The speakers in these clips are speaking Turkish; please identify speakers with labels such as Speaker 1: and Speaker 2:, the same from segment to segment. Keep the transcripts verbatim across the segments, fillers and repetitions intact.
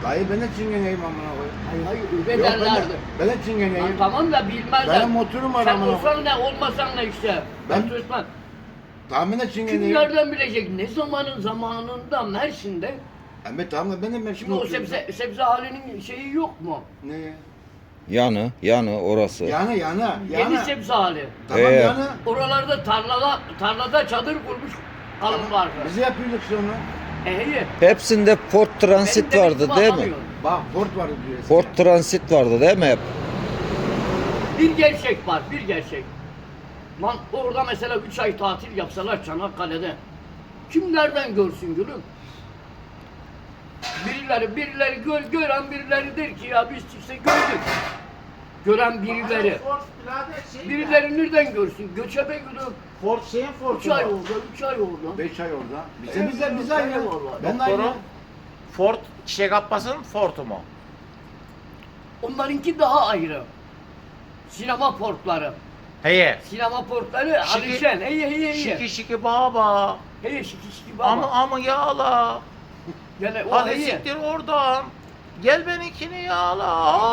Speaker 1: Dayı ben de çingeneyim amına koyayım.
Speaker 2: Hayır hayır öyle
Speaker 1: Yok ben de,
Speaker 2: derlerdi.
Speaker 1: ben de
Speaker 2: Lan
Speaker 1: çingeneyim.
Speaker 2: tamam da bilmezler.
Speaker 1: Benim motorum var
Speaker 2: Sen
Speaker 1: amına
Speaker 2: olsan ne olmasan ne işte.
Speaker 1: Ben-
Speaker 2: Ben Osman.
Speaker 1: Tamam ben de
Speaker 2: Kim
Speaker 1: çingeneyim.
Speaker 2: nereden bilecek ne zamanın zamanında Mersin'de.
Speaker 1: Evet tamam da ben de Mersin'de
Speaker 2: Şimdi o
Speaker 1: oturuyorum.
Speaker 2: sebze, sebze halinin şeyi yok mu?
Speaker 1: Ne ya?
Speaker 3: Yanı, yanı orası.
Speaker 1: Yana yana
Speaker 2: Yeni
Speaker 1: yana.
Speaker 2: sebze hali.
Speaker 1: Tamam
Speaker 3: Ee,
Speaker 1: yana.
Speaker 2: Oralarda tarlada tarlada çadır kurmuş alım vardı.
Speaker 1: Biz de yapıyorduk sonra.
Speaker 2: E iyi.
Speaker 3: Hepsinde Ford Transit
Speaker 2: Benim de
Speaker 3: vardı
Speaker 2: bir
Speaker 3: değil mi?
Speaker 2: bakamıyorum.
Speaker 1: Bak Ford vardı diyor. eskiden.
Speaker 3: Ford Transit vardı değil mi hep?
Speaker 2: Bir gerçek var, bir gerçek. Lan orada mesela üç ay tatil yapsalar Çanakkale'de. Kim nereden görsün gülüm? Birileri, birileri gör, gören birileri der ki ya biz işte gördük. Gören birileri.
Speaker 4: Ford birader şey
Speaker 2: Birileri nereden görsün? Göçebe gülüm.
Speaker 4: Ford şeyin Ford'u.
Speaker 2: Üç ay orada, üç ay orada.
Speaker 1: Beş ay orada. Bize
Speaker 2: Evet,
Speaker 1: bize biz
Speaker 2: evet,
Speaker 1: aynı.
Speaker 2: vallahi.
Speaker 1: Ben de aynı.
Speaker 4: Doktorum. Ford Çiçek Abbas'ın Ford'u mu?
Speaker 2: Onlarınki daha ayrı. Sinema portları.
Speaker 4: Heye.
Speaker 2: Sinema portları
Speaker 4: Şiki-
Speaker 2: Alişen. Hey hey hey.
Speaker 4: Şiki şiki baba.
Speaker 2: Hey şiki şiki baba.
Speaker 4: Ama ama yağla.
Speaker 2: Yani o
Speaker 4: Hadi
Speaker 2: hey.
Speaker 4: siktir oradan. Gel benimkini yağla.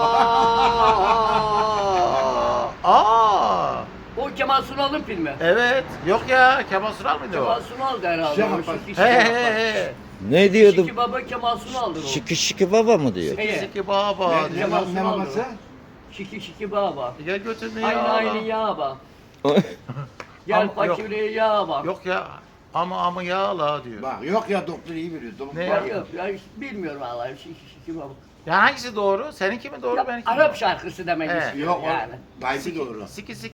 Speaker 4: Aa.
Speaker 2: O Kemal Sunal'ın filmi.
Speaker 4: Evet. Yok ya. Kemal Sunal mıydı
Speaker 2: Kemal
Speaker 4: o?
Speaker 2: Sunal'dı herhalde.
Speaker 1: Şaka
Speaker 2: o
Speaker 1: bak.
Speaker 2: Şiki
Speaker 4: He
Speaker 2: Şiki
Speaker 4: he
Speaker 2: Baba.
Speaker 4: he.
Speaker 3: Ne diyordu?
Speaker 2: Şiki Baba Kemal Sunal'dır o.
Speaker 3: Şiki şiki baba mı diyor?
Speaker 2: Hey.
Speaker 4: Şiki şiki baba.
Speaker 1: Ne, ne,
Speaker 2: Kemal
Speaker 1: ne
Speaker 2: Sunal
Speaker 1: babası?
Speaker 2: Şiki Şiki Baba.
Speaker 4: Gel götürme
Speaker 2: Aynı
Speaker 4: yağla.
Speaker 2: aynı yağba. Gel
Speaker 4: Ama yok.
Speaker 2: fakire yağba.
Speaker 4: Yok ya. Ama ama yağla diyor.
Speaker 1: Bak yok ya doktor iyi biliyor. Doktor.
Speaker 4: Ne?
Speaker 2: Ya yok ya hiç bilmiyorum vallahi Şiki Şiki Baba.
Speaker 4: Ya hangisi doğru? Seninki mi doğru
Speaker 2: Ya,
Speaker 4: benimki mi?
Speaker 2: Arap şarkısı demek
Speaker 4: He.
Speaker 2: istiyorum
Speaker 1: Yok
Speaker 2: yani.
Speaker 1: o. Dayısı doğru.
Speaker 4: Siki siki